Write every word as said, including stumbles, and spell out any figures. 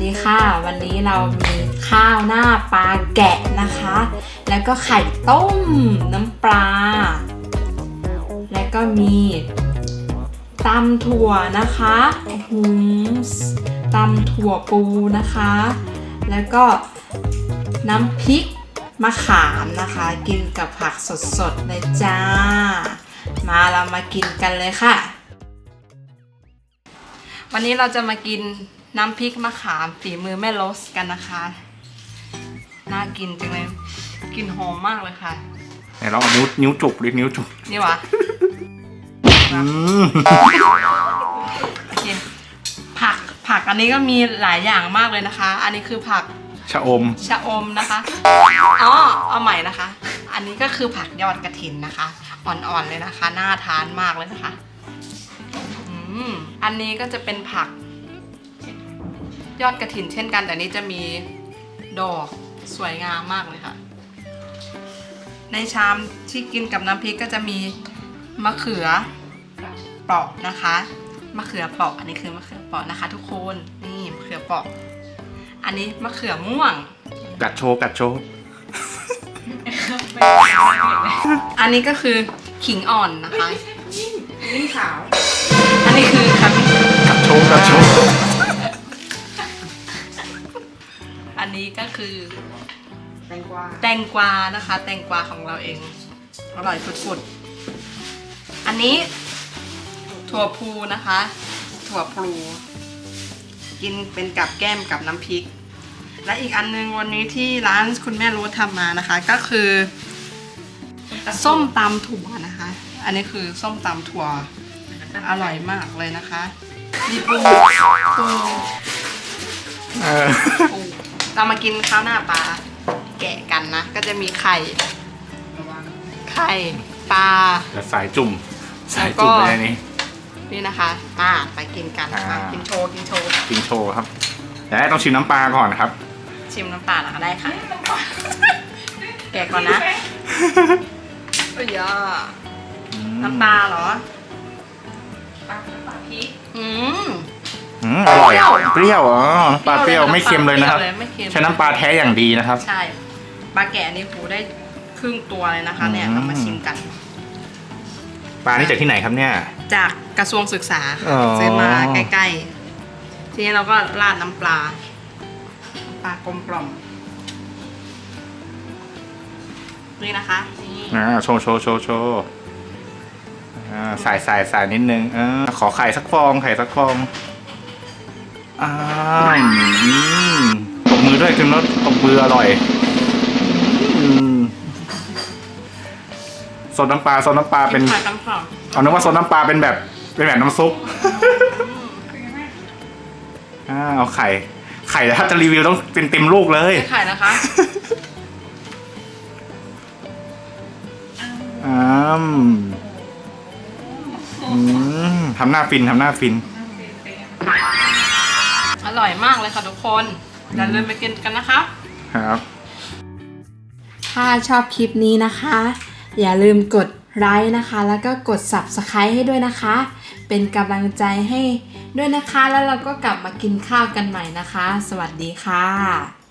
ดีค่ะวันนี้เรามีข้าวหน้าปลาแกะนะคะแล้วก็ไข่ต้มน้ำปลาแล้วก็มีตำถั่วนะคะหืมตำถั่วปูนะคะแล้วก็น้ำพริกมะขามนะคะกินกับผักสดๆเลยจ้ามาเรามากินกันเลยค่ะวันนี้เราจะมากินน้ำพริกมะขามฝีมือแม่โรสกันนะคะน่ากินจังเลยกลิ่นหอมมากเลยค่ะไหนลองเอานิ้วนิ้วจุกดินิ้วจุกนี่วะอืมกินผักผักอันนี้ก็มีหลายอย่างมากเลยนะคะอันนี้คือผักชะอมชะอมนะคะอ๋อเอาใหม่นะคะอันนี้ก็คือผักยอดกระถินนะคะอ่อนๆเลยนะคะน่าทานมากเลยนะคะอืมอันนี้ก็จะเป็นผักยอดกระถินเช่นกันแต่นี้จะมีดอกสวยงามมากเลยค่ะในชามที่กินกับน้ำพริกก็จะมีมะเขือเปราะนะคะมะเขือเปราะอันนี้คือมะเขือเปราะนะคะทุกคนนี่มะเขือเปราะอันนี้มะเขือม่วงกัดโชว์กัดโชว์อันนี้ก็คือขิงอ่อนนะคะนี่ขาวอันนี้คือครับกัดโชว์กัดโชว์อันนี้ก็คือแตงกวาแตงกวานะคะแตงกวาของเราเองอร่อยฝุดๆอันนี้ถั่วพูนะคะถั่วพลูกินเป็นกับแก้มกับน้ำพริกและอีกอันนึงวันนี้ที่ร้านคุณแม่รู้ทำมานะคะก็คือส้มตำถั่วนะคะอันนี้คือส้มตำถั่วอร่อยมากเลยนะคะมีปูปูปูเรามากินข้าวหน้าปลาแกะกันนะก็จะมีไข่ไข่ปลาและสายจุ่มสายจุ่มอะไรนี่นี่นะคะมาไปกินกันมากินโชว์กินโชว์กินโชว์ครับแต่ต้องชิมน้ำปลาก่อนครับชิมน้ำปลาเหรอได้ค่ะแกะก่อนนะเอ้ยน้ำปลาเหรอปลาปลาพริกอืมอืมอร่อยเปรี้ยวอ๋อปลาเปรี้ยวไม่เค็มเลยนะครับใช้น้ำปลาแท้อย่างดีนะครับใช่ปลาแกะนี่หูได้ครึ่งตัวเลยนะคะเนี่ยเรามาชิมกันปลานี่จากที่ไหนครับเนี่ยจากกระทรวงศึกษาซื้อมาใกล้ๆทีนี้เราก็ราดน้ำปลาปลากลมกล่อมนี่นะคะนี่อ่าโชว์โชว์โชว์โชว์อ่าใส่ใส่ใส่นิดนึงเออขอไข่สักฟองไข่สักฟองอ่าตบมือด้วยคุณรสตบมืออร่อยโซนน้ำปลาโซนน้ำปลาเป็นเอานึกว่าโซนน้ำปลาเป็นแบบเป็นแบบน้ำซุปอ่าเอาไข่ไข่ถ้าจะรีวิวต้องเป็นเต็มลูกเลยไข่นะคะอืมอืมทำหน้าฟินทำหน้าฟินอร่อยมากเลยค่ะทุกคนอย่าลืมไปกินกันนะคะครับถ้าชอบคลิปนี้นะคะอย่าลืมกดไลค์นะคะแล้วก็กด ซับสไครบ์ ให้ด้วยนะคะเป็นกำลังใจให้ด้วยนะคะแล้วเราก็กลับมากินข้าวกันใหม่นะคะสวัสดีค่ะ